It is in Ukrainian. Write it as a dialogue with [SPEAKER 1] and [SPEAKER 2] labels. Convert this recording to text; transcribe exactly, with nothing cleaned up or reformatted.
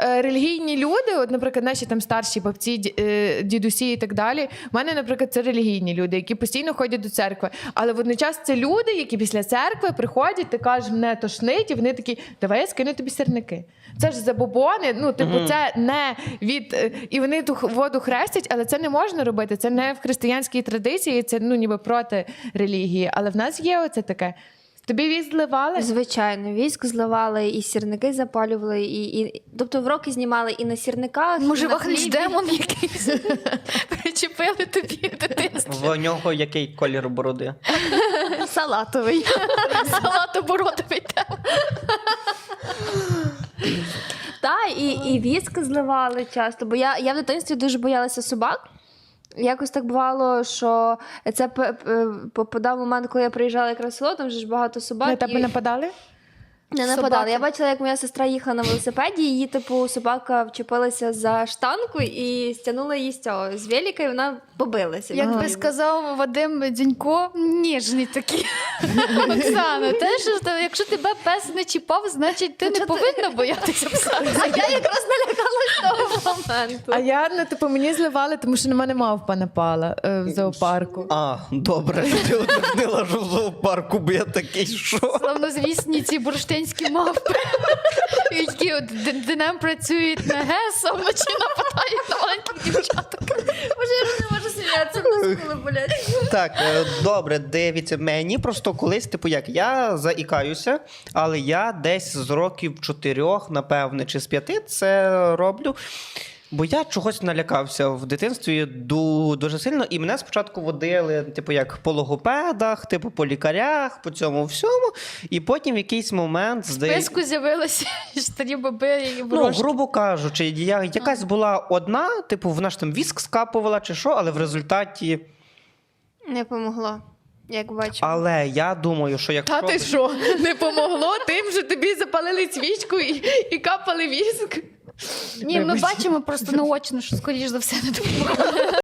[SPEAKER 1] е, релігійні люди, от, наприклад, наші там старші бабці, ді- е, дідусі і так далі, в мене, наприклад, це релігійні люди, які постійно ходять до церкви. Але водночас це люди, які після церкви приходять, ти кажеш, мене тошнить, і вони такі, давай я скину тобі сірники. Це ж забобони, ну, типу,
[SPEAKER 2] Мгм.
[SPEAKER 1] це не від... е, І вони ту х- воду хрестять, але це не можна робити, це не в християнській традиції, це, ну, ніби проти релігії. Але в нас є оце таке. Тобі віз зливали?
[SPEAKER 3] Звичайно, військ зливали, і сірники запалювали, і, і... тобто вроки знімали і на сірниках,
[SPEAKER 4] Може,
[SPEAKER 3] і на
[SPEAKER 4] вахнеш
[SPEAKER 3] хлібі.
[SPEAKER 4] демон якийсь? Причепили тобі в дитинстві.
[SPEAKER 2] В нього який колір бороди?
[SPEAKER 3] Салатовий.
[SPEAKER 4] Салатобородовий демон.
[SPEAKER 3] Так, і, і віск зливали часто, бо я, я в дитинстві дуже боялася собак. Якось так бувало, що це п- п- попадав момент, коли я приїжджала якраз в село, там вже ж багато собак.
[SPEAKER 1] На тебе
[SPEAKER 3] і...
[SPEAKER 1] нападали?
[SPEAKER 3] Не нападали.
[SPEAKER 4] Собаки.
[SPEAKER 3] Я бачила, як моя сестра їхала на велосипеді, її, типу, собака вчепилася за штанку і стягнула її з цього, з велика, і вона побилася.
[SPEAKER 4] Як би
[SPEAKER 3] Ага.
[SPEAKER 4] сказав Вадим Дзюнько, ніжний такий. Оксана, те, що та- якщо тебе пес не чіпав, значить ти не
[SPEAKER 3] Чого ти-
[SPEAKER 4] повинна боятися пса.
[SPEAKER 3] А я якраз налякалась того моменту.
[SPEAKER 1] А я, ну, типу, мені зливали, тому що на мене мавпа напала е, в зоопарку.
[SPEAKER 2] А, добре, що ти уточнила, що в зоопарку, бо я такий, що?
[SPEAKER 4] Славнозвісні ці бурштинські мавпи, які от д- днем працюють на ГЕС, а вночі нападають на маленьких дівчаток.
[SPEAKER 3] Боже, я вже не можу сміятися, мускули болять.
[SPEAKER 2] Так, е, добре, дивіться, мені просто колись, типу, як, я заікаюся, але я десь з років чотирьох, напевне, чи з п'яти це роблю. Бо я чогось налякався в дитинстві ду- дуже сильно, і мене спочатку водили, типу, як по логопедах, типу, по лікарях, по цьому всьому, і потім в якийсь момент,
[SPEAKER 4] В
[SPEAKER 2] здається,
[SPEAKER 4] списку з'явилися старі баби і
[SPEAKER 2] ну,
[SPEAKER 4] брошки.
[SPEAKER 2] грубо кажучи, я, якась була одна, типу, вона ж там віск скапувала чи що, але в результаті...
[SPEAKER 3] Не помогло, як бачу.
[SPEAKER 2] Але я думаю, що якщо...
[SPEAKER 1] Та ти що, не помогло тим, що тобі запалили свічку і, і капали віск?
[SPEAKER 4] Ні, ми бачимо просто наочно, що скоріш за все не допомогло.